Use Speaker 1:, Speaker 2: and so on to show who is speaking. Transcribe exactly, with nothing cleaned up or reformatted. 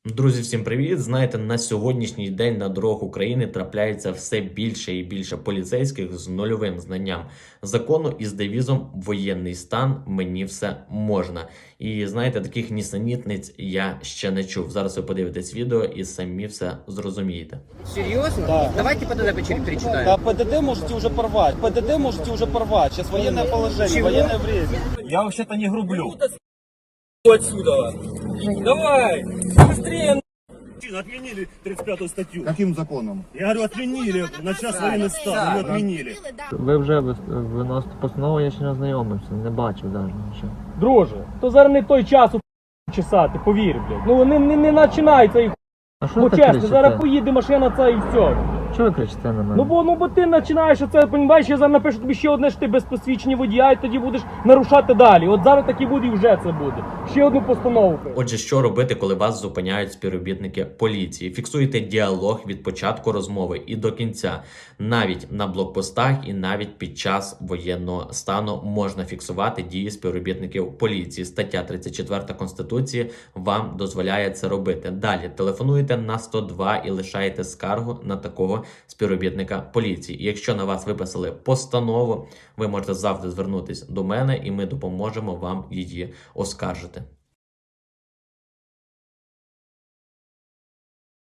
Speaker 1: Друзі, всім привіт! Знаєте, на сьогоднішній день на дорогах України трапляється все більше і більше поліцейських з нульовим знанням закону і з девізом «Воєнний стан, мені все можна». І знаєте, таких нісенітниць я ще не чув. Зараз ви подивитесь відео і самі все зрозумієте.
Speaker 2: Серьезно?
Speaker 3: Да.
Speaker 2: Давайте ПДД перечитаем.
Speaker 3: Да, ПДД можете уже порвать. ПДД можете уже порвать. Сейчас военное положение,
Speaker 2: Чего?
Speaker 3: военное время.
Speaker 4: Я вообще-то не грублю.
Speaker 5: Отсюда. Давай, быстрее.
Speaker 4: Отменили тридцать пятую статью.
Speaker 6: Каким законом?
Speaker 4: Я говорю, отменили на час военный стан, ее отменили.
Speaker 7: Ви вже виносите постанову, я ще не ознайомився, не бачив навіть нічого.
Speaker 5: Друже, то зараз не той час у чесати, повір, блядь. Ну не, не, не починається їх.
Speaker 7: А що
Speaker 5: Бо
Speaker 7: ви так
Speaker 5: чесно,
Speaker 7: кричите?
Speaker 5: зараз поїде машина ця і все.
Speaker 7: Чого ви кричите на мене?
Speaker 5: Ну бо, ну бо ти починаєш оце, понімаєш, я зараз напишу тобі ще одне, що ти без посвідчення водія, і тоді будеш нарушати далі. От зараз так і буде, і вже це буде. Ще одну постанову.
Speaker 1: Отже, що робити, коли вас зупиняють співробітники поліції? Фіксуйте діалог від початку розмови і до кінця. Навіть на блокпостах і навіть під час воєнного стану можна фіксувати дії співробітників поліції. Стаття тридцять четверта Конституції вам дозволяє це робити. Далі телефонуйте на сто два і лишаєте скаргу на такого співробітника поліції. І якщо на вас виписали постанову, ви можете завжди звернутися до мене і ми допоможемо вам її оскаржити.